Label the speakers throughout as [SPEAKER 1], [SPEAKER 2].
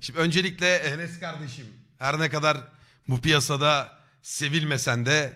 [SPEAKER 1] Şimdi öncelikle Enes kardeşim, her ne kadar bu piyasada sevilmesen de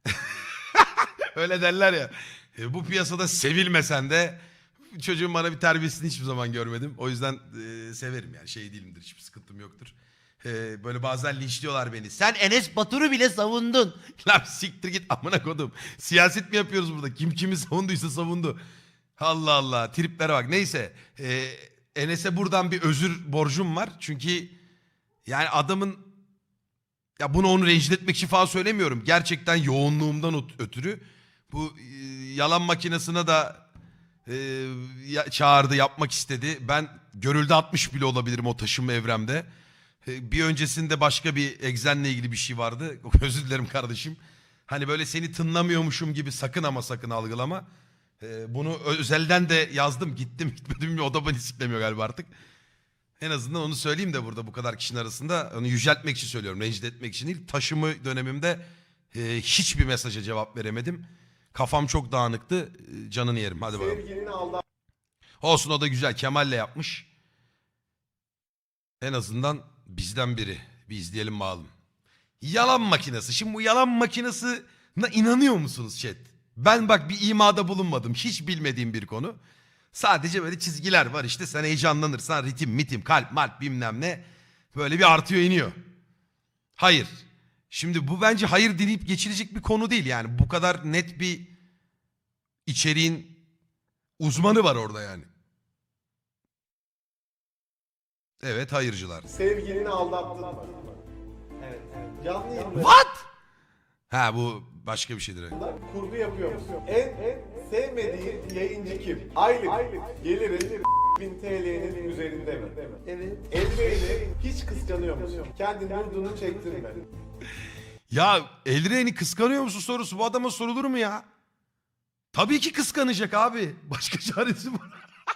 [SPEAKER 1] öyle derler ya, bu piyasada sevilmesen de çocuğun bana bir terbiyesini hiçbir zaman görmedim. O yüzden severim yani, şey değilimdir, hiçbir sıkıntım yoktur. Böyle bazen linçliyorlar beni. Sen Enes Batur'u bile savundun. Lan siktir git amına kodum. Siyaset mi yapıyoruz burada? Kim kimi savunduysa savundu. Allah Allah, triplere bak. Neyse, Enes'e buradan bir özür borcum var. Çünkü yani adamın, ya bunu onu rencide etmek için falan söylemiyorum. Gerçekten yoğunluğumdan ötürü bu yalan makinesine da çağırdı, yapmak istedi. Ben görüldü atmış bile olabilirim o taşınma evremde. Bir öncesinde başka bir egzenle ilgili bir şey vardı. Özür dilerim kardeşim. Hani böyle seni tınlamıyormuşum gibi sakın ama sakın algılama. Bunu özelden de yazdım. Gittim gitmedim mi, o da beni siklemiyor galiba artık. En azından onu söyleyeyim de burada bu kadar kişinin arasında, onu yüceltmek için söylüyorum. Rencide etmek için değil. Taşımı dönemimde hiçbir mesaja cevap veremedim. Kafam çok dağınıktı. Canını yerim. Hadi bakalım. Olsun, o da güzel. Kemal'le yapmış. En azından bizden biri. Bir izleyelim bakalım. Yalan makinesi. Şimdi bu yalan makinesine inanıyor musunuz chat? Ben bak bir imada bulunmadım. Hiç bilmediğim bir konu. Sadece böyle çizgiler var işte, sen heyecanlanırsan ritim mitim kalp malp bilmem ne böyle bir artıyor iniyor. Hayır. Şimdi bu bence hayır deneyip geçilecek bir konu değil yani. Bu kadar net bir içeriğin uzmanı var orada yani. Evet, hayırcılar.
[SPEAKER 2] Sevgilini aldattın mı?
[SPEAKER 3] Evet.
[SPEAKER 2] Canlı yayında
[SPEAKER 1] What? Ha, bu başka bir şeydir.
[SPEAKER 2] kurgu yapıyor musun? En sevmediğin yayıncı kim? Aylık geliri 1000 TL'nin üzerinde mi?
[SPEAKER 3] Evet.
[SPEAKER 2] Elbeyni hiç kıskanıyor musun? Kendin vurduğunu çektirme.
[SPEAKER 1] Ya Elren'i kıskanıyor musun sorusu bu adama sorulur mu ya? Tabii ki kıskanacak abi. Başka çaresi var.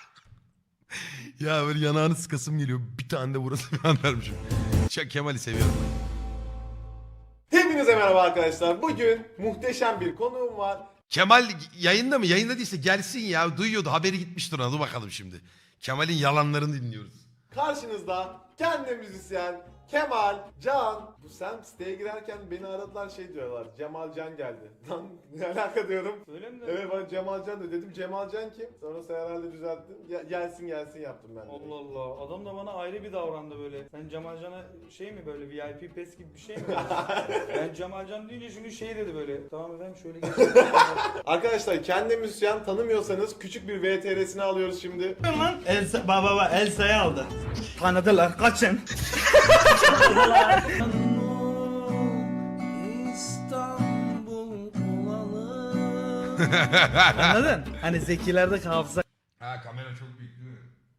[SPEAKER 1] Ya böyle yanağını sıkasım geliyor. Bir tane de burası falan vermişim. Kemal'i seviyorum.
[SPEAKER 2] Hepinize merhaba arkadaşlar. Bugün muhteşem bir konuğum var.
[SPEAKER 1] Kemal yayında mı? Yayında değilse gelsin ya. Duyuyordu. Haberi gitmiştir ona. Dur bakalım şimdi. Kemal'in yalanlarını dinliyoruz.
[SPEAKER 2] Karşınızda kendi müzisyen Kemal Can. Bu sen siteye girerken beni aradılar, şey diyorlar. Cemal Can geldi. Lan ne alaka diyorum.
[SPEAKER 3] Öyle mi?
[SPEAKER 2] Evet, bana Cemal Can dedim. Cemal Can kim? Sonra sen herhalde düzelttin. Gelsin yaptım ben de.
[SPEAKER 3] Allah Allah. Adam da bana ayrı bir davrandı böyle. Sen Cemalcan'a şey mi böyle VIP pass gibi bir şey mi? Ben Cemalcan deyince çünkü şey dedi böyle. Tamam efendim şöyle geçelim.
[SPEAKER 2] Arkadaşlar kendi müzisyen, tanımıyorsanız küçük bir VTR'sini alıyoruz şimdi.
[SPEAKER 3] Lan baba Elsa'yı aldı. Tanıdılar kaçın. Anladın? Hani zekilerde hafıza
[SPEAKER 1] Ha, kamera çok büyük değil mi?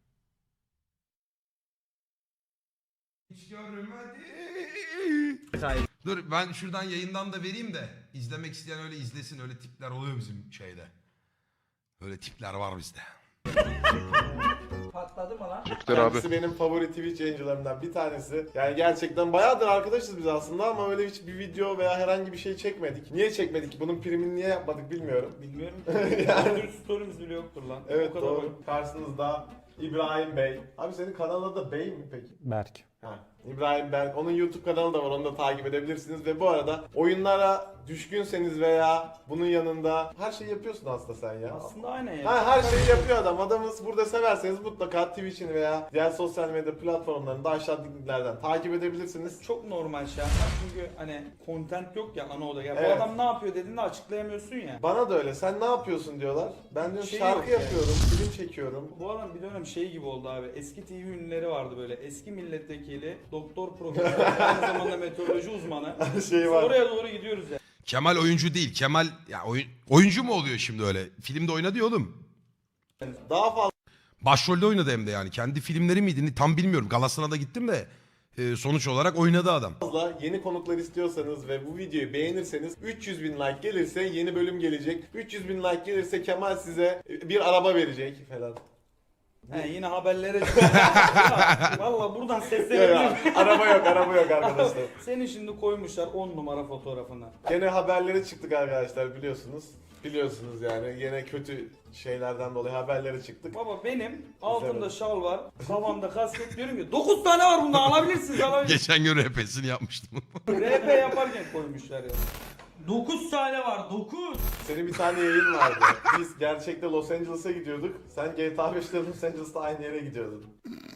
[SPEAKER 1] Hiç görmedi.
[SPEAKER 3] kaybı.
[SPEAKER 1] Dur ben şuradan yayından da vereyim de izlemek isteyen öyle izlesin. Öyle tipler oluyor bizim şeyde. Öyle tipler var bizde.
[SPEAKER 3] Patladı mı lan?
[SPEAKER 2] Kendisi benim favori Twitch yayıncılarımdan bir tanesi. Yani gerçekten bayağıdır arkadaşız biz aslında ama öyle hiç bir video veya herhangi bir şey çekmedik. Niye çekmedik? Bunun primini niye yapmadık bilmiyorum.
[SPEAKER 3] Bilmiyorum ki. Yani story'miz bile yoktur lan.
[SPEAKER 2] Evet,
[SPEAKER 3] O kadar
[SPEAKER 2] doğru.
[SPEAKER 3] oyun.
[SPEAKER 2] Karşınızda İbrahim Bey. Abi senin kanalın adı Bey mi peki?
[SPEAKER 4] Berk.
[SPEAKER 2] Ha, İbrahim Berk. Onun YouTube kanalı da var. Onu da takip edebilirsiniz. Ve bu arada oyunlara düşkünseniz veya bunun yanında her şeyi yapıyorsun aslında sen ya.
[SPEAKER 3] Aslında aynen ya.
[SPEAKER 2] Ha, her şeyi yapıyor adam. Adamız burada severseniz mutlaka Twitch'ini veya diğer sosyal medya platformlarında aşağıdaki linklerden takip edebilirsiniz.
[SPEAKER 3] Çok normal şey yapmak çünkü hani content yok ya ana oda. Ya
[SPEAKER 2] Evet.
[SPEAKER 3] bu adam ne yapıyor dediğinde açıklayamıyorsun ya.
[SPEAKER 2] Bana da öyle. Sen ne yapıyorsun diyorlar. Ben diyorum
[SPEAKER 3] Şey
[SPEAKER 2] şarkı
[SPEAKER 3] yok yani.
[SPEAKER 2] yapıyorum, film çekiyorum.
[SPEAKER 3] Bu adam bir dönem şey gibi oldu abi. Eski TV ünlüleri vardı böyle. Eski milletvekili, doktor profesör, aynı zamanda meteoroloji uzmanı.
[SPEAKER 2] Şey var.
[SPEAKER 3] Oraya doğru gidiyoruz ya.
[SPEAKER 1] Kemal oyuncu değil. Kemal ya oyuncu mu oluyor şimdi öyle? Filmde oynadı ya oğlum.
[SPEAKER 2] Daha fazla
[SPEAKER 1] Başrolde oynadı hem de yani. Kendi filmleri miydi tam bilmiyorum. Galasına da gittim de sonuç olarak oynadı adam.
[SPEAKER 2] yeni konuklar istiyorsanız ve bu videoyu beğenirseniz 300 bin like gelirse yeni bölüm gelecek. 300 bin like gelirse Kemal size bir araba verecek falan.
[SPEAKER 3] He yine haberlere Valla buradan
[SPEAKER 2] Ya,
[SPEAKER 3] seslenebilirim.
[SPEAKER 2] araba yok arkadaşlar.
[SPEAKER 3] Seni şimdi koymuşlar 10 numara fotoğrafına.
[SPEAKER 2] Gene haberlere çıktık arkadaşlar biliyorsunuz. Biliyorsunuz yani gene kötü şeylerden dolayı haberlere çıktık.
[SPEAKER 3] Baba benim altımda
[SPEAKER 2] Güzel.
[SPEAKER 3] şal var, kafamda kasket, diyorum ki 9 tane var bunda, alabilirsiniz alabilirsiniz.
[SPEAKER 1] Geçen gün RP'sini yapmıştım.
[SPEAKER 3] RP yaparken koymuşlar ya. 9 tane var 9.
[SPEAKER 2] Senin bir tane yayın vardı. Biz gerçekte Los Angeles'a gidiyorduk. Sen GTA 5'te Los Angeles'ta aynı yere gidiyordun.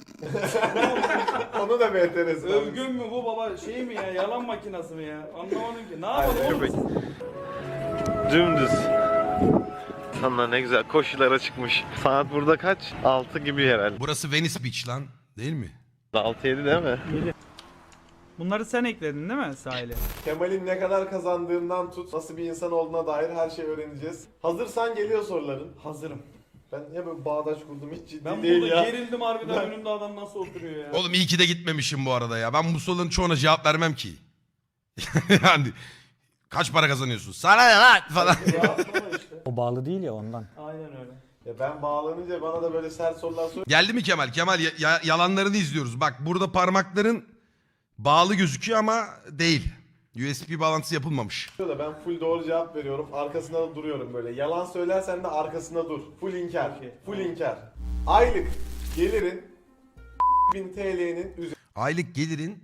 [SPEAKER 2] Onu da bir enteresan.
[SPEAKER 3] Övgün mü bu baba, şey mi ya, yalan makinası mı ya, anlamadım ki. Ne yapalım oğlum?
[SPEAKER 4] Dümdüz. İnsanlar ne güzel koşulara çıkmış. Saat burada kaç? 6 gibi herhalde.
[SPEAKER 1] Burası Venice Beach lan. Değil mi?
[SPEAKER 4] 6-7 değil mi?
[SPEAKER 3] Bunları sen ekledin değil mi sahile?
[SPEAKER 2] Kemal'in ne kadar kazandığından tut, nasıl bir insan olduğuna dair her şeyi öğreneceğiz. Hazırsan geliyor soruların.
[SPEAKER 3] Hazırım.
[SPEAKER 2] Ben niye böyle bağdaş kurdum hiç ciddi
[SPEAKER 3] Ben
[SPEAKER 2] değil
[SPEAKER 3] burada
[SPEAKER 2] ya.
[SPEAKER 3] gerildim harbiden, önümde adam nasıl oturuyor ya.
[SPEAKER 1] Oğlum iyi ki de gitmemişim bu arada ya. Ben bu soruların çoğuna cevap vermem ki. Yani kaç para kazanıyorsun? Sana ne lan falan.
[SPEAKER 2] Rahatlama işte.
[SPEAKER 5] O bağlı değil ya ondan.
[SPEAKER 3] Aynen öyle.
[SPEAKER 2] Ya ben bağlanınca bana da böyle sert sorular sor.
[SPEAKER 1] Geldi mi Kemal? Kemal yalanlarını izliyoruz. Bak burada parmakların bağlı gözüküyor ama değil. USB bağlantısı yapılmamış.
[SPEAKER 2] Da ben full doğru cevap veriyorum. Arkasında da duruyorum böyle. Yalan söylersen de arkasında dur. Full inkar.
[SPEAKER 3] Okey,
[SPEAKER 2] Full
[SPEAKER 3] tamam.
[SPEAKER 2] inkar. Aylık gelirin 1000 TL'nin
[SPEAKER 1] Aylık gelirin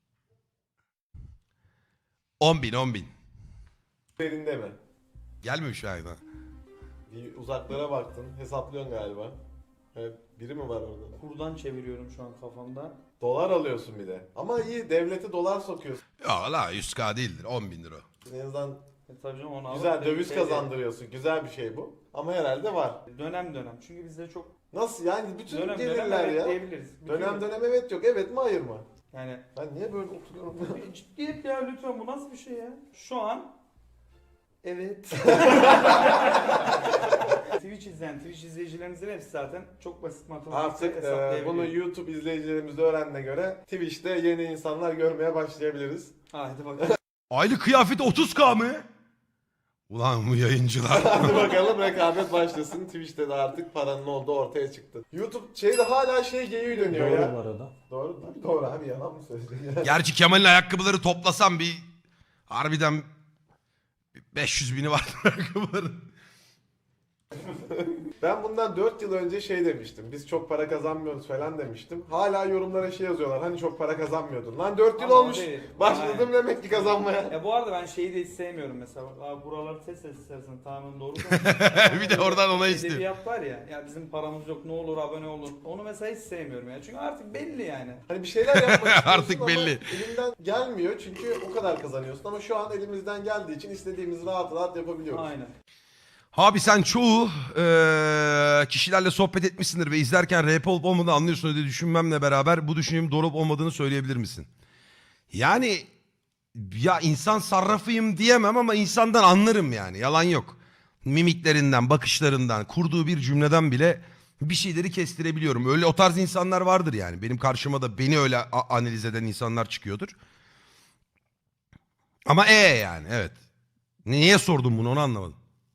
[SPEAKER 1] 10.000.
[SPEAKER 2] üzerinde mi?
[SPEAKER 1] Gelmemiş ayda.
[SPEAKER 2] Bir uzaklara baktın. Hesaplıyorsun galiba. Evet, biri mi var orada?
[SPEAKER 3] Kurdan çeviriyorum şu an kafamda.
[SPEAKER 2] Dolar alıyorsun bir de. Ama iyi devlete dolar sokuyorsun.
[SPEAKER 1] Ya la 100k değildir 10.000 lira.
[SPEAKER 2] En azından
[SPEAKER 3] Tabii canım, onu
[SPEAKER 2] güzel
[SPEAKER 3] alıp
[SPEAKER 2] döviz
[SPEAKER 3] şey-
[SPEAKER 2] kazandırıyorsun. Güzel bir şey bu. Ama herhalde var.
[SPEAKER 3] Dönem dönem. Çünkü bizde çok
[SPEAKER 2] Nasıl yani bütün
[SPEAKER 3] dönem
[SPEAKER 2] gelirler
[SPEAKER 3] evet
[SPEAKER 2] ya.
[SPEAKER 3] diyebiliriz. Bütün-
[SPEAKER 2] Dönem dönem evet yok. Evet mi hayır mı?
[SPEAKER 3] Yani
[SPEAKER 2] Ben niye böyle oturuyorum?
[SPEAKER 3] ciddiyet ya, lütfen, bu nasıl bir şey ya? Şu an evet. Twitch izleyicilerimizin hepsi zaten çok basit matematik
[SPEAKER 2] Artık
[SPEAKER 3] hesaplayabiliyor.
[SPEAKER 2] bunu YouTube izleyicilerimiz de öğrendiğine göre Twitch'te yeni insanlar görmeye başlayabiliriz.
[SPEAKER 3] Hadi bakalım.
[SPEAKER 1] Aylık kıyafeti 30k mı? Ulan bu yayıncılar.
[SPEAKER 2] Hadi bakalım rekabet başlasın. Twitch'te de artık paranın olduğu ortaya çıktı. YouTube şeyde hala şey geyiği dönüyor
[SPEAKER 5] Doğru
[SPEAKER 2] ya.
[SPEAKER 5] bu arada.
[SPEAKER 2] Doğru mu? Doğru abi, yalan mı söyleyeceksin?
[SPEAKER 1] Gerçi Kemal'in ayakkabıları toplasam bir harbiden 500 bini var ayakkabıların.
[SPEAKER 2] Ben bundan 4 yıl önce şey demiştim. Biz çok para kazanmıyoruz falan demiştim. Hala yorumlara şey yazıyorlar. Hani çok para kazanmıyordun. Lan 4 yıl
[SPEAKER 3] Ama o
[SPEAKER 2] olmuş.
[SPEAKER 3] değil.
[SPEAKER 2] Başladım
[SPEAKER 3] Aynen.
[SPEAKER 2] demek ki kazanmaya.
[SPEAKER 3] Ya bu arada ben şeyi de hiç sevmiyorum mesela. Abi buraları test istersen tamamen doğru.
[SPEAKER 1] Bir de oradan ona istiyor.
[SPEAKER 3] Edebiyat var ya. Ya bizim paramız yok, ne olur abone olun. Onu mesela hiç sevmiyorum ya. Çünkü artık belli yani.
[SPEAKER 2] Hani bir şeyler yapmak istiyorsun
[SPEAKER 1] Artık
[SPEAKER 2] ama
[SPEAKER 1] belli.
[SPEAKER 2] elimden gelmiyor çünkü o kadar kazanıyorsun. Ama şu an elimizden geldiği için istediğimizi rahat rahat yapabiliyoruz.
[SPEAKER 3] Aynen.
[SPEAKER 1] Abi sen çoğu kişilerle sohbet etmişsindir ve izlerken rap olup olmadığını anlıyorsun diye düşünmemle beraber bu düşüncemin doğru olup olmadığını söyleyebilir misin? Yani ya insan sarrafıyım diyemem ama insandan anlarım yani, yalan yok. Mimiklerinden, bakışlarından, kurduğu bir cümleden bile bir şeyleri kestirebiliyorum. Öyle o tarz insanlar vardır yani. Benim karşıma da beni öyle analiz eden insanlar çıkıyordur. Ama yani evet. Niye sordum bunu, onu anlamadım.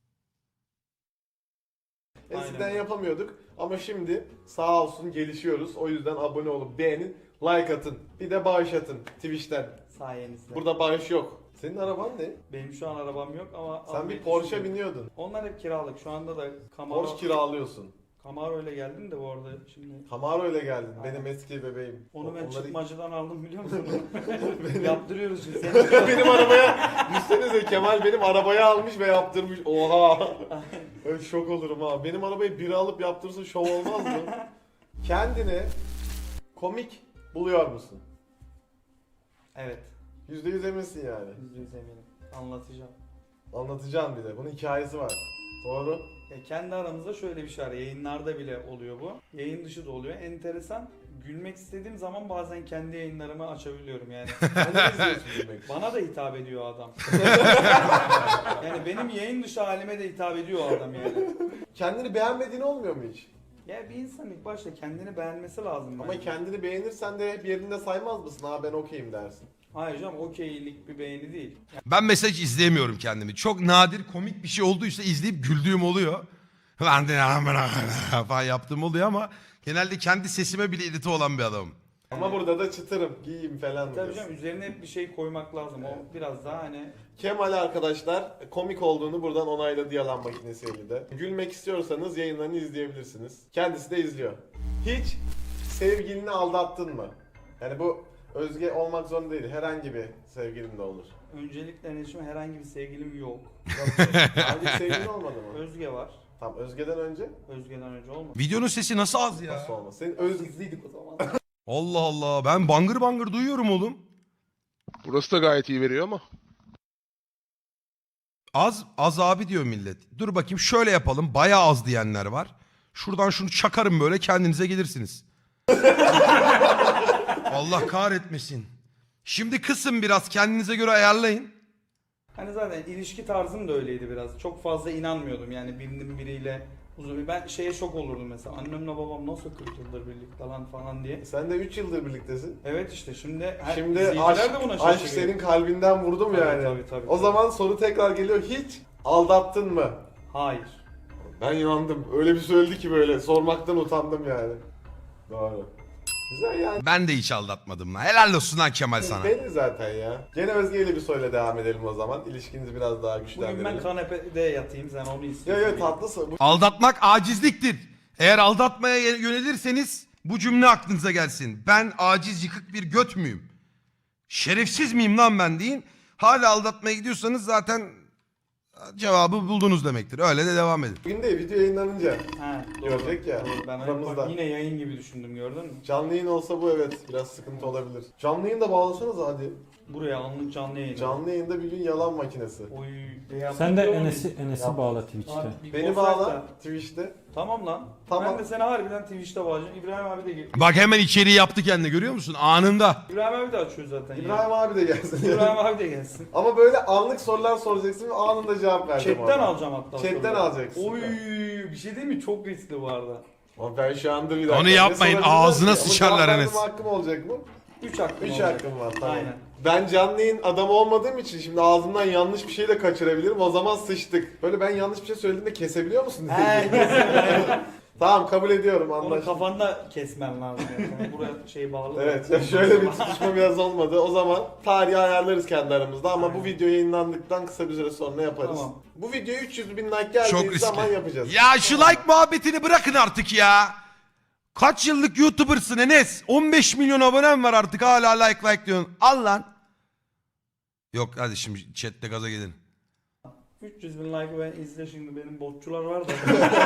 [SPEAKER 2] Eskiden
[SPEAKER 3] Aynen.
[SPEAKER 2] yapamıyorduk ama şimdi sağ olsun gelişiyoruz. O yüzden abone olup beğenin, like atın. Bir de bağış atın Twitch'ten.
[SPEAKER 3] Sayenizde.
[SPEAKER 2] Burada bağış yok. Senin araban ne?
[SPEAKER 3] Benim şu an arabam yok ama...
[SPEAKER 2] Sen
[SPEAKER 3] almayı
[SPEAKER 2] bir Porsche
[SPEAKER 3] düşünüyorum.
[SPEAKER 2] biniyordun.
[SPEAKER 3] Onlar hep kiralık. Şu anda da Camaro...
[SPEAKER 2] Porsche kiralıyorsun.
[SPEAKER 3] Camaro ile geldim de bu arada şimdi.
[SPEAKER 2] Camaro ile geldin.
[SPEAKER 3] Aynen.
[SPEAKER 2] Benim eski bebeğim.
[SPEAKER 3] Onu ben
[SPEAKER 2] Onları-
[SPEAKER 3] çıkmacıdan aldım, biliyor musun? Yaptırıyoruz şimdi. Sen
[SPEAKER 2] benim arabaya düşsenize, Kemal benim arabaya almış ve yaptırmış. Oha. Ben şok olurum ha. Benim arabayı biri alıp yaptırsa şov olmaz mı? Kendini komik buluyor musun?
[SPEAKER 3] Evet.
[SPEAKER 2] %100 eminsin yani.
[SPEAKER 3] %100 eminim. Anlatacağım.
[SPEAKER 2] Anlatacağım bir de. Bunun hikayesi var. Doğru.
[SPEAKER 3] Kendi aramızda şöyle bir şey var. Yayınlarda bile oluyor bu. Yayın dışı da oluyor. Enteresan. Gülmek istediğim zaman bazen kendi yayınlarımı açabiliyorum yani.
[SPEAKER 2] Sen ne izliyorsun demek?
[SPEAKER 3] Bana da hitap ediyor o adam. Yani benim yayın dışı halime de hitap ediyor o adam yani.
[SPEAKER 2] Kendini beğenmediğin olmuyor mu hiç?
[SPEAKER 3] Ya bir insan ilk başta kendini beğenmesi lazım.
[SPEAKER 2] Ama
[SPEAKER 3] bence.
[SPEAKER 2] kendini beğenirsen de bir yerinde saymaz mısın? Ha ben okeyim dersin.
[SPEAKER 3] Hayır canım, okeylik bir beğeni değil.
[SPEAKER 1] Ben mesela hiç izleyemiyorum kendimi. Çok nadir komik bir şey olduysa izleyip güldüğüm oluyor. Ben de falan yaptığım oluyor ama Genelde kendi sesime bile irite olan bir adamım.
[SPEAKER 2] Ama burada da çıtırım, giyeyim falan
[SPEAKER 3] Tabii
[SPEAKER 2] diyorsun.
[SPEAKER 3] canım üzerine hep bir şey koymak lazım. O biraz daha hani
[SPEAKER 2] Kemal arkadaşlar komik olduğunu buradan onayladı yalan makinesiyle de. Gülmek istiyorsanız yayınlarını izleyebilirsiniz. Kendisi de izliyor. Hiç sevgilini aldattın mı? Yani bu Özge olmak zorunda değil. Herhangi bir sevgilin de olur.
[SPEAKER 3] öncelikle iletişim herhangi bir sevgilim yok.
[SPEAKER 2] Artık sevgilin olmadı mı?
[SPEAKER 3] Özge var.
[SPEAKER 2] Tamam, Özge'den önce
[SPEAKER 3] Özge'den önce olmadı.
[SPEAKER 1] Videonun sesi nasıl az ya?
[SPEAKER 2] nasıl olmaz? Senin Özge...
[SPEAKER 3] Gizliydik o zaman.
[SPEAKER 1] Allah Allah. Ben bangır bangır duyuyorum oğlum.
[SPEAKER 5] Burası da gayet iyi veriyor ama.
[SPEAKER 1] Az abi diyor millet. Dur bakayım şöyle yapalım. Bayağı az diyenler var. Şuradan şunu çakarım böyle kendinize gelirsiniz. Allah kahretmesin. Şimdi kısın biraz kendinize göre ayarlayın.
[SPEAKER 3] Hani zaten ilişki tarzım da öyleydi biraz. Çok fazla inanmıyordum yani birinin biriyle uzun. Ben şeye şok olurdum mesela. Annemle babam nasıl 40 yıldır birlikte lan falan diye.
[SPEAKER 2] Sen de 3 yıldır birliktesin.
[SPEAKER 3] Evet işte şimdi
[SPEAKER 2] Şimdi
[SPEAKER 3] izleyiciler de buna
[SPEAKER 2] aşk
[SPEAKER 3] şaşırıyor.
[SPEAKER 2] senin kalbinden vurdu mu
[SPEAKER 3] Tabii,
[SPEAKER 2] yani?
[SPEAKER 3] tabii.
[SPEAKER 2] O zaman soru tekrar geliyor. Hiç aldattın mı?
[SPEAKER 3] Hayır.
[SPEAKER 2] Ben yandım. Öyle bir söyledi ki böyle. Sormaktan utandım yani. Doğru. Güzel yani.
[SPEAKER 1] Ben de hiç aldatmadım lan. Helal olsun lan Kemal sana.
[SPEAKER 2] Belli zaten ya. Gene Özge ile bir soruyla devam edelim o zaman. İlişkinizi biraz daha
[SPEAKER 3] Bugün
[SPEAKER 2] güçlendirelim.
[SPEAKER 3] ben kanepede yatayım sen onu
[SPEAKER 2] Yo
[SPEAKER 3] istiyorsun.
[SPEAKER 2] yo tatlısın. Bu
[SPEAKER 1] Aldatmak acizliktir. Eğer aldatmaya yönelirseniz bu cümle aklınıza gelsin. Ben aciz yıkık bir göt müyüm? Şerefsiz miyim lan ben deyin. Hala aldatmaya gidiyorsanız zaten cevabı buldunuz demektir. Öyle de devam edin.
[SPEAKER 2] bugün de video yayınlanınca
[SPEAKER 3] Ha, doğru.
[SPEAKER 2] görecek ya.
[SPEAKER 3] Doğru. Ben
[SPEAKER 2] Aramızda.
[SPEAKER 3] bak yine yayın gibi düşündüm gördün mü?
[SPEAKER 2] Canlı yayın olsa bu evet biraz sıkıntı olabilir. Canlı yayın da bağlasanız hadi.
[SPEAKER 3] Buraya anlık canlı yayın.
[SPEAKER 2] Canlı yayında bir gün yalan makinesi.
[SPEAKER 3] Oy.
[SPEAKER 6] Sen de
[SPEAKER 3] yapıyor
[SPEAKER 6] Enes'i
[SPEAKER 3] muyuz?
[SPEAKER 6] bağla
[SPEAKER 3] Abi,
[SPEAKER 6] Twitch'te.
[SPEAKER 3] bir
[SPEAKER 2] Beni
[SPEAKER 3] Ghost
[SPEAKER 2] bağla
[SPEAKER 3] Rider.
[SPEAKER 2] Twitch'te.
[SPEAKER 3] Tamam lan.
[SPEAKER 2] Tamam.
[SPEAKER 3] Ben de seni harbiden Twitch'te bağlayacağım. İbrahim abi de gel.
[SPEAKER 1] Bak hemen içeriği yaptı kendine görüyor musun? Anında.
[SPEAKER 3] İbrahim abi de açıyor zaten.
[SPEAKER 2] İbrahim abi de gelsin.
[SPEAKER 3] İbrahim abi de gelsin.
[SPEAKER 2] Ama böyle anlık sorular soracaksın ve anında cevap vereceğim.
[SPEAKER 3] Chatten
[SPEAKER 2] orada.
[SPEAKER 3] alacağım hatta.
[SPEAKER 2] Chatten
[SPEAKER 3] soruları.
[SPEAKER 2] alacaksın.
[SPEAKER 3] Oy bir şey değil mi? Çok riskli bu arada.
[SPEAKER 2] Ama ben şu anda bir dakika.
[SPEAKER 1] Onu yapmayın,
[SPEAKER 2] Ne sorabilirler
[SPEAKER 1] ağzına
[SPEAKER 2] ki? Ama
[SPEAKER 1] sıçarlar
[SPEAKER 2] cevap verme
[SPEAKER 1] Enes.
[SPEAKER 2] hakkım olacak mı?
[SPEAKER 3] 3 hakkım
[SPEAKER 2] 3
[SPEAKER 3] olacak.
[SPEAKER 2] hakkım var tamam.
[SPEAKER 3] Aynen.
[SPEAKER 2] Ben canlı yayın adamı olmadığım için şimdi ağzımdan yanlış bir şey de kaçırabilirim. O zaman sıçtık. Böyle ben yanlış bir şey söylediğimde kesebiliyor musun? Tamam kabul ediyorum
[SPEAKER 3] Onu
[SPEAKER 2] anlaştık.
[SPEAKER 3] kafanda kesmen lazım. Yani. Buraya şey bağlı.
[SPEAKER 2] Evet ya şöyle bir tutuşma biraz olmadı. O zaman tarihi ayarlarız kendi aramızda ama bu video yayınlandıktan kısa bir süre sonra yaparız.
[SPEAKER 3] Tamam.
[SPEAKER 2] Bu videoya 300 bin like
[SPEAKER 1] Çok
[SPEAKER 2] geldiği
[SPEAKER 1] riskli.
[SPEAKER 2] zaman yapacağız.
[SPEAKER 1] Ya şu like muhabbetini bırakın artık ya. Kaç yıllık YouTuber'sın Enes? 15 milyon abonem var artık hala like diyorsun. Al lan. Yok hadi şimdi chatte gaza gelin.
[SPEAKER 3] 300 bin like ben izle şimdi benim botçular var da.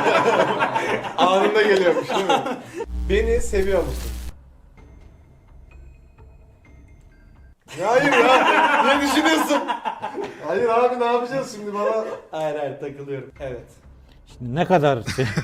[SPEAKER 2] Anında geliyormuş değil mi? Beni seviyor musun? Ya hayır ya. Ne düşünüyorsun? Hayır abi ne yapacağız şimdi bana?
[SPEAKER 3] hayır takılıyorum. Evet.
[SPEAKER 6] Şimdi ne kadar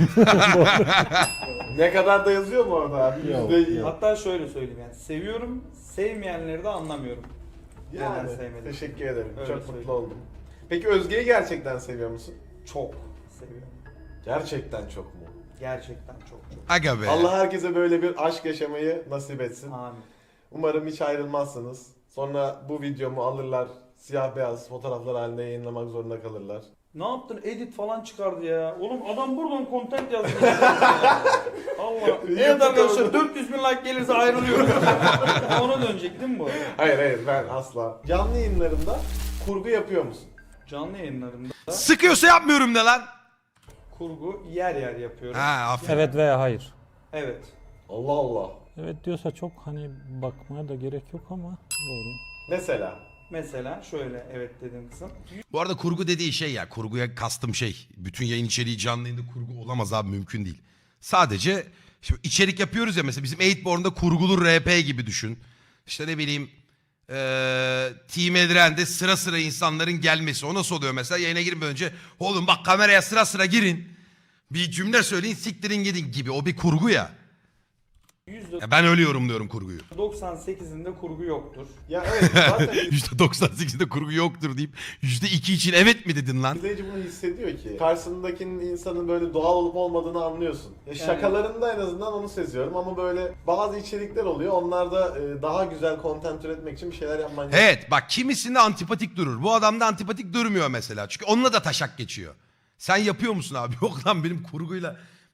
[SPEAKER 2] Ne kadar da yazıyor mu orada abi?
[SPEAKER 6] Yok,
[SPEAKER 2] %100.
[SPEAKER 6] yok.
[SPEAKER 3] Hatta şöyle söyleyeyim yani seviyorum, sevmeyenleri de anlamıyorum.
[SPEAKER 2] Yani
[SPEAKER 3] Neden sevmedim?
[SPEAKER 2] teşekkür ederim.
[SPEAKER 3] Öyle
[SPEAKER 2] Çok mutlu
[SPEAKER 3] söyleyeyim.
[SPEAKER 2] oldum. Peki Özge'yi gerçekten seviyor musun?
[SPEAKER 3] Çok seviyorum.
[SPEAKER 2] Gerçekten çok mu?
[SPEAKER 3] Gerçekten çok.
[SPEAKER 1] Aga be.
[SPEAKER 2] Allah herkese böyle bir aşk yaşamayı nasip etsin.
[SPEAKER 3] Amin.
[SPEAKER 2] Umarım hiç ayrılmazsınız. Sonra bu videomu alırlar, siyah beyaz fotoğraflar halinde yayınlamak zorunda kalırlar.
[SPEAKER 3] Ne yaptın? Edit falan çıkardı ya. Oğlum adam buradan content yazdı. Allah. Evet arkadaşlar 400 bin like gelirse ayrılıyorum. Ona dönecek değil mi bu?
[SPEAKER 2] Hayır ben asla. Canlı yayınlarında kurgu yapıyor musun?
[SPEAKER 3] Canlı yayınlarımda
[SPEAKER 1] Sıkıyorsa yapmıyorum de lan.
[SPEAKER 3] kurgu yer yer yapıyorum.
[SPEAKER 1] Ha aferin.
[SPEAKER 6] evet veya hayır.
[SPEAKER 3] Evet.
[SPEAKER 2] Allah Allah.
[SPEAKER 6] Evet diyorsa çok hani bakmaya da gerek yok ama doğru.
[SPEAKER 2] Mesela.
[SPEAKER 3] Mesela şöyle evet dediğim kısım.
[SPEAKER 1] Bu arada kurgu dediği şey ya kurguya kastım şey. Bütün yayın içeriği canlı yayında kurgu olamaz abi mümkün değil. Sadece şimdi içerik yapıyoruz ya mesela bizim 8born'da kurgulu RP gibi düşün. İşte ne bileyim Team Edren'de sıra sıra insanların gelmesi. O nasıl oluyor mesela yayına girmeden önce oğlum bak kameraya sıra sıra girin. Bir cümle söyleyin siktirin gidin gibi o bir kurgu ya. Ya ben öyle yorumluyorum kurguyu.
[SPEAKER 3] %98'inde kurgu yoktur.
[SPEAKER 2] Ya evet zaten
[SPEAKER 1] %98'de kurgu yoktur deyip %2 için evet mi dedin lan?
[SPEAKER 2] izleyici bunu hissediyor ki. Karşısındakinin insanın böyle doğal olup olmadığını anlıyorsun. Şakalarında en azından onu seziyorum ama böyle bazı içerikler oluyor. Onlarda daha güzel content üretmek için bir şeyler yapman gerekiyor.
[SPEAKER 1] Evet bak kimisinde antipatik durur. Bu adam da antipatik durmuyor mesela. Çünkü onunla da taşak geçiyor. Sen yapıyor musun abi? Yok lan benim kurguyla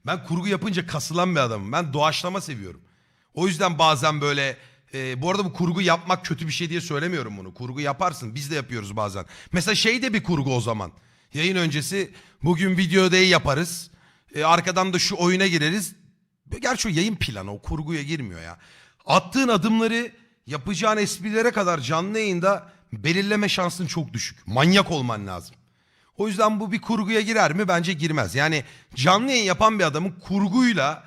[SPEAKER 1] Ben kurgu yapınca kasılan bir adamım. Ben doğaçlama seviyorum. O yüzden bazen böyle bu arada bu kurgu yapmak kötü bir şey diye söylemiyorum bunu. Kurgu yaparsın. Biz de yapıyoruz bazen. Mesela şey de bir kurgu o zaman. Yayın öncesi bugün video day yaparız. Arkadan da şu oyuna gireriz. Gerçi o yayın planı o kurguya girmiyor ya. Attığın adımları yapacağın esprilere kadar canlı yayında belirleme şansın çok düşük. Manyak olman lazım. O yüzden bu bir kurguya girer mi? Bence girmez. Yani canlı yayın yapan bir adamın kurguyla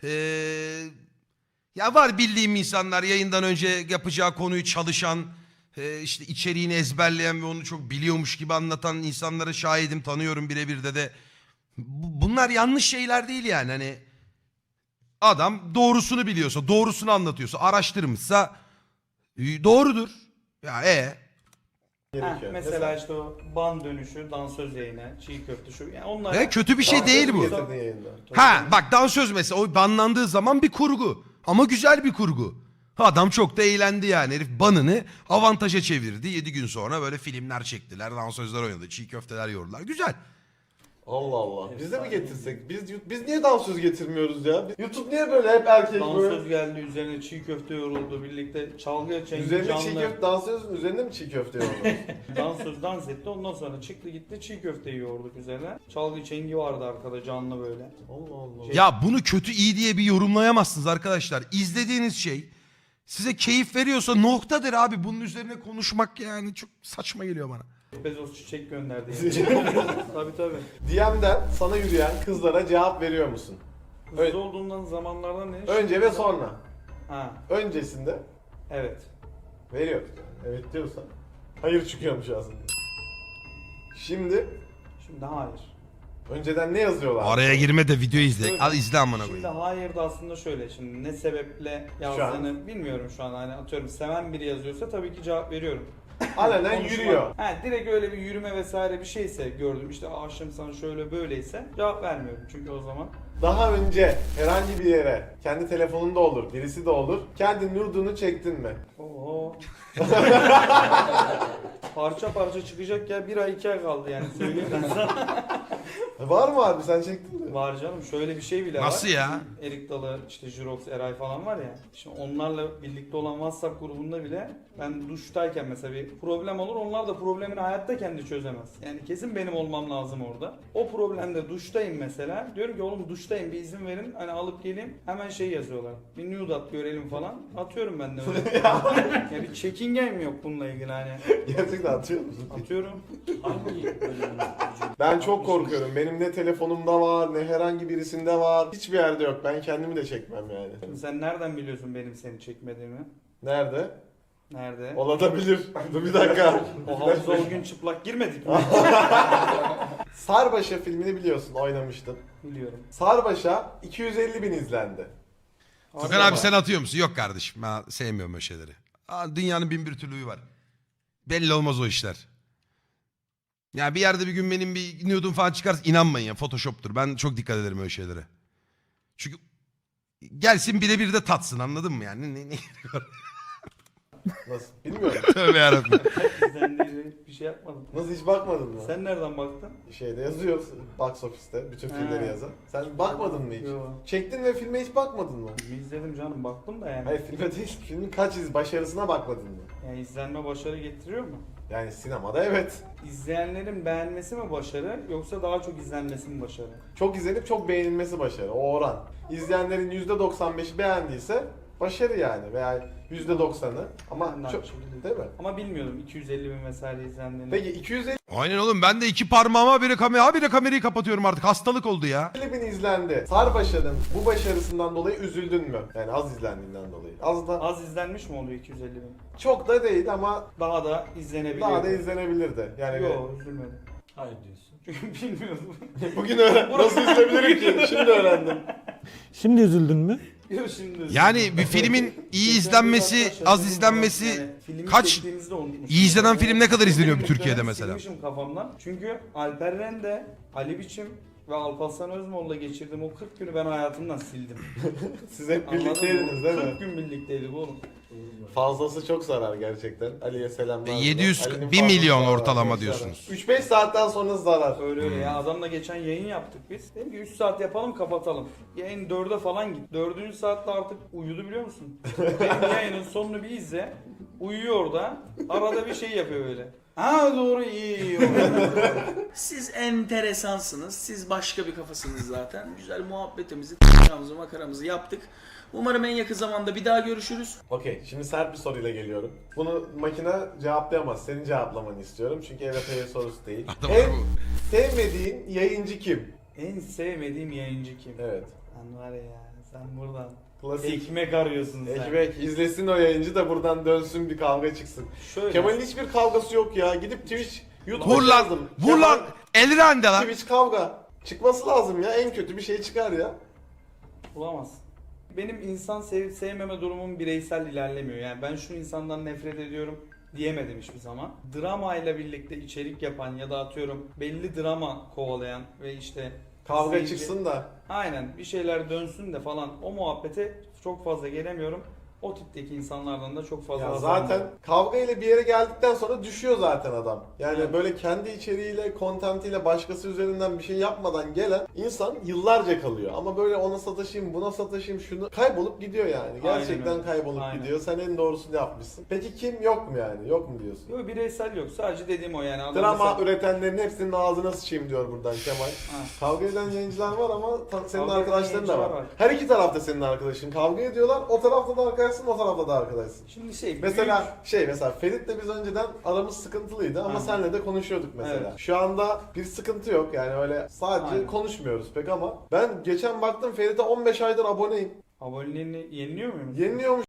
[SPEAKER 1] ya var bildiğim insanlar yayından önce yapacağı konuyu çalışan işte içeriğini ezberleyen ve onu çok biliyormuş gibi anlatan insanlara şahidim, tanıyorum birebir de. Bunlar yanlış şeyler değil yani. Hani adam doğrusunu biliyorsa, doğrusunu anlatıyorsa, araştırmışsa doğrudur. Ya
[SPEAKER 2] gerekiyor.
[SPEAKER 3] Mesela işte o ban dönüşü, dansöz yayını, çiğ köfte şu. Yani onlar
[SPEAKER 1] kötü bir şey değil bu.
[SPEAKER 2] Getirdin yayında.
[SPEAKER 1] Ha bak dansöz mesela o banlandığı zaman bir kurgu. Ama güzel bir kurgu. Adam çok da eğlendi yani. Herif banını avantaja çevirdi. 7 gün sonra böyle filmler çektiler. Dansözler oynadı. Çiğ köfteler yoğurdular. Güzel.
[SPEAKER 2] Allah Allah. Biz de mi getirsek? Biz niye dansöz getirmiyoruz ya? YouTube niye böyle hep erkek böyle?
[SPEAKER 3] dansöz geldi, üzerine çiğ köfte yoruldu, birlikte çalgı çengi
[SPEAKER 2] Üzerine
[SPEAKER 3] canlı.
[SPEAKER 2] çiğ köfte, dansözün üzerine mi çiğ köfte yoğurdunuz?
[SPEAKER 3] Dansöz dans etti, ondan sonra çıktı gitti çiğ köfteyi yoğurduk üzerine. Çalgı çengi vardı arkada canlı böyle.
[SPEAKER 2] Allah Allah.
[SPEAKER 1] Ya bunu kötü iyi diye bir yorumlayamazsınız arkadaşlar. İzlediğiniz şey size keyif veriyorsa noktadır abi. Bunun üzerine konuşmak yani çok saçma geliyor bana.
[SPEAKER 3] Bezos çiçek gönderdi. Tabii tabii.
[SPEAKER 2] DM'den sana yürüyen kızlara cevap veriyor musun?
[SPEAKER 3] Hızlı olduğundan zamanlardan ne?
[SPEAKER 2] Önce ve sonra.
[SPEAKER 3] Ha,
[SPEAKER 2] Öncesinde
[SPEAKER 3] evet.
[SPEAKER 2] veriyor. Evet diyorsan. Hayır çıkıyormuş aslında. Şimdi
[SPEAKER 3] Şimdi hayır.
[SPEAKER 2] önceden ne yazıyorlar?
[SPEAKER 1] Araya girme de video izle.
[SPEAKER 3] Öyle.
[SPEAKER 1] Al izle amına
[SPEAKER 3] Şimdi
[SPEAKER 1] koyayım.
[SPEAKER 3] hayır da aslında şöyle, şimdi ne sebeple yazdığını bilmiyorum şu an, hani atıyorum seven biri yazıyorsa tabii ki cevap veriyorum.
[SPEAKER 2] Alenen
[SPEAKER 3] Konuşma.
[SPEAKER 2] yürüyor.
[SPEAKER 3] Ha, direkt öyle bir yürüme vesaire bir şeyse, gördüm işte aşığım sana şöyle böyleyse cevap vermiyorum çünkü o zaman.
[SPEAKER 2] Daha önce herhangi bir yere, kendi telefonunda olur, birisi de olur, kendi nude'unu çektin mi?
[SPEAKER 3] Oo. Parça parça çıkacak ya, 1 ay 2 ay kaldı yani, söyleyeyim ben sana.
[SPEAKER 2] Var mı abi, sen çektin mi?
[SPEAKER 3] Var canım, şöyle bir şey bile var.
[SPEAKER 1] Nasıl ya?
[SPEAKER 3] Erik Dalı, işte Jirox, Eray falan var ya. Şimdi onlarla birlikte olan WhatsApp grubunda bile ben duştayken mesela bir problem olur. Onlar da problemini hayatta kendi çözemez. Yani kesin benim olmam lazım orada. O problemde duştayım mesela. Diyorum ki oğlum duştayım, bir izin verin. Hani alıp geleyim. Hemen şey yazıyorlar. Bir nude at görelim falan. Atıyorum ben de öyle. Ya bir çekingen yok bununla ilgili hani.
[SPEAKER 2] Gerçekten atıyor musun?
[SPEAKER 3] Atıyorum.
[SPEAKER 2] Ben çok korkuyorum. Benim ne telefonumda var, ne herhangi birisinde var. Hiçbir yerde yok. Ben kendimi de çekmem yani.
[SPEAKER 3] Sen nereden biliyorsun benim seni çekmediğimi?
[SPEAKER 2] Nerede?
[SPEAKER 3] Nerede?
[SPEAKER 2] Olabilir. Dur bir dakika.
[SPEAKER 3] O havuza o gün çıplak girmedik mi?
[SPEAKER 2] Sarbaşa filmini biliyorsun, oynamıştım.
[SPEAKER 3] Biliyorum.
[SPEAKER 2] Sarbaşa 250.000 izlendi.
[SPEAKER 1] Tukan abi sen atıyor musun? Yok kardeşim ben sevmiyorum öyle şeyleri. Dünyanın bin bir türlüğü var. Belli olmaz o işler. Ya bir yerde bir gün benim bir nude'um falan çıkarsa inanmayın ya, Photoshop'tur. Ben çok dikkat ederim öyle şeylere. Çünkü gelsin birebir de tatsın, anladın mı yani? Ne
[SPEAKER 2] Nasıl? Bilmiyorum.
[SPEAKER 1] Tövbe yarabbim.
[SPEAKER 3] Sen de bir şey yapmadın.
[SPEAKER 2] Nasıl, hiç bakmadın mı?
[SPEAKER 3] Sen nereden baktın?
[SPEAKER 2] Şeyde yazıyor, box office'te bütün filmleri
[SPEAKER 3] Ha.
[SPEAKER 2] yazan. Sen bakmadın mı hiç?
[SPEAKER 3] Yo.
[SPEAKER 2] Çektin ve filme hiç bakmadın mı?
[SPEAKER 3] İzledim canım, baktım da yani.
[SPEAKER 2] Hayır, filme değil, filmin başarısına bakmadın mı?
[SPEAKER 3] Yani izlenme başarı getiriyor mu?
[SPEAKER 2] Yani sinemada evet.
[SPEAKER 3] İzleyenlerin beğenmesi mi başarı, yoksa daha çok izlenmesi mi başarı?
[SPEAKER 2] Çok izlenip çok beğenilmesi başarı, o oran. İzleyenlerin %95'i beğendiyse başarı yani, veya %90'ı. Ama
[SPEAKER 3] Ben de
[SPEAKER 2] çok,
[SPEAKER 3] aynı şekilde.
[SPEAKER 2] değil mi?
[SPEAKER 3] Ama bilmiyordum 250.000 vesaire izlendiğini.
[SPEAKER 2] Peki 250
[SPEAKER 1] Aynen oğlum, ben de iki parmağıma biri kamerayı kapatıyorum artık. Hastalık oldu ya.
[SPEAKER 2] bin izlendi. Sarbaşa'nın bu başarısından dolayı üzüldün mü? Yani az izlendiğinden dolayı. Az da
[SPEAKER 3] Az izlenmiş mi oluyor 250.000?
[SPEAKER 2] çok da değil ama
[SPEAKER 3] Daha da izlenebiliyor.
[SPEAKER 2] daha da izlenebilirdi. Yani
[SPEAKER 3] Yok, üzülmedim.
[SPEAKER 6] Hayır diyorsun.
[SPEAKER 3] Çünkü bilmiyordum.
[SPEAKER 2] bugün nasıl izleyebilirim ki? Şimdi öğrendim.
[SPEAKER 6] Şimdi üzüldün mü?
[SPEAKER 3] Yok şimdi.
[SPEAKER 1] Yani bir filmin iyi izlenmesi, az izlenmesi kaç? İyi izlenen film ne kadar izleniyor bir Türkiye'de mesela?
[SPEAKER 3] Silmişim kafamdan. Çünkü Alper Rende, Ali Biçim, ve Alparslan Özmoğlu'la geçirdiğim o 40 günü ben hayatımdan sildim.
[SPEAKER 2] Siz hep
[SPEAKER 3] Anladın
[SPEAKER 2] birlikteydiniz
[SPEAKER 3] mı?
[SPEAKER 2] değil
[SPEAKER 3] 40
[SPEAKER 2] mi?
[SPEAKER 3] gün birlikteydik oğlum.
[SPEAKER 2] Fazlası çok zarar gerçekten. Ali'ye selamlar.
[SPEAKER 1] 700
[SPEAKER 2] Ali'nin
[SPEAKER 1] 1
[SPEAKER 2] fazlası
[SPEAKER 1] milyon
[SPEAKER 2] zarar,
[SPEAKER 1] ortalama
[SPEAKER 2] çok
[SPEAKER 1] diyorsunuz.
[SPEAKER 2] zarar. 3-5 saatten sonra zarar.
[SPEAKER 3] Öyle öyle ya. Adamla geçen yayın yaptık biz. Dedim ki 3 saat yapalım kapatalım. Yayın 4'e falan git. 4. saatte artık uyudu biliyor musun? Benim yayının sonunu bir izle. Uyuyor orada. Arada bir şey yapıyor böyle. Ha doğru iyi.
[SPEAKER 7] Siz enteresansınız. Siz başka bir kafasınız zaten. Güzel muhabbetimizi, t***amızı, makaramızı yaptık. Umarım en yakın zamanda bir daha görüşürüz.
[SPEAKER 2] Okey, şimdi sert bir soruyla geliyorum. Bunu makine cevaplayamaz. Senin cevaplamanı istiyorum. Çünkü evet hayır sorusu değil.
[SPEAKER 1] Adam
[SPEAKER 2] En
[SPEAKER 1] bu.
[SPEAKER 2] sevmediğin yayıncı kim?
[SPEAKER 3] En sevmediğim yayıncı kim?
[SPEAKER 2] Evet.
[SPEAKER 3] Sen var ya sen buradan
[SPEAKER 2] Klasik.
[SPEAKER 3] ekmek arıyorsun sen.
[SPEAKER 2] Ekmek izlesin o yayıncı da buradan dönsün bir kavga çıksın.
[SPEAKER 3] Şöyle.
[SPEAKER 2] Kemal'in hiçbir kavgası yok ya. Gidip Twitch, YouTube'a
[SPEAKER 1] Vur lan.
[SPEAKER 2] yazdım.
[SPEAKER 1] Vur lan. Elrande lan.
[SPEAKER 2] Twitch kavga. Çıkması lazım ya. En kötü bir şey çıkar ya.
[SPEAKER 3] Bulamaz. Benim insan sevip sevmeme durumum bireysel ilerlemiyor. Yani ben şu insandan nefret ediyorum diyemedim hiçbir zaman. Drama ile birlikte içerik yapan ya da atıyorum belli drama kovalayan ve işte
[SPEAKER 2] Kavga
[SPEAKER 3] izleyici-
[SPEAKER 2] çıksın da.
[SPEAKER 3] Aynen bir şeyler dönsün de falan o muhabbete çok fazla gelemiyorum. O tipteki insanlardan da çok fazla
[SPEAKER 2] Ya
[SPEAKER 3] haz
[SPEAKER 2] zaten
[SPEAKER 3] almıyorum.
[SPEAKER 2] kavga ile bir yere geldikten sonra düşüyor zaten adam. Yani
[SPEAKER 3] Evet.
[SPEAKER 2] böyle kendi içeriğiyle, kontentiyle başkası üzerinden bir şey yapmadan gelen insan yıllarca kalıyor. Ama böyle ona sataşayım, buna sataşayım, şunu kaybolup gidiyor yani. Gerçekten
[SPEAKER 3] öyle.
[SPEAKER 2] kaybolup
[SPEAKER 3] Aynen.
[SPEAKER 2] gidiyor. Sen en doğrusunu yapmışsın. Peki kim yok mu yani? Yok mu diyorsun?
[SPEAKER 3] Yok bireysel yok. Sadece dediğim o yani. Adam
[SPEAKER 2] Drama
[SPEAKER 3] mesela-
[SPEAKER 2] üretenlerin hepsinin ağzına sıçayım diyor buradan Kemal.
[SPEAKER 3] Ha.
[SPEAKER 2] Kavga eden yayıncılar var ama senin
[SPEAKER 3] Kavga eden
[SPEAKER 2] arkadaşların da
[SPEAKER 3] yayıncılar
[SPEAKER 2] var.
[SPEAKER 3] var.
[SPEAKER 2] Her iki tarafta senin arkadaşın. Kavga ediyorlar. O tarafta da arkadaşsın, o tarafta da arkadaşsın.
[SPEAKER 3] Şimdi şey
[SPEAKER 2] Mesela mesela Ferit'le biz önceden aramız sıkıntılıydı ama
[SPEAKER 3] Aynen.
[SPEAKER 2] senle de konuşuyorduk mesela.
[SPEAKER 3] Evet.
[SPEAKER 2] Şu anda bir sıkıntı yok yani öyle sadece
[SPEAKER 3] Aynen.
[SPEAKER 2] konuşmuyoruz pek ama ben geçen baktım Ferit'e 15 aydır aboneyim.
[SPEAKER 3] aboneliğini yeniliyor muyum?
[SPEAKER 2] Yeniliyormuş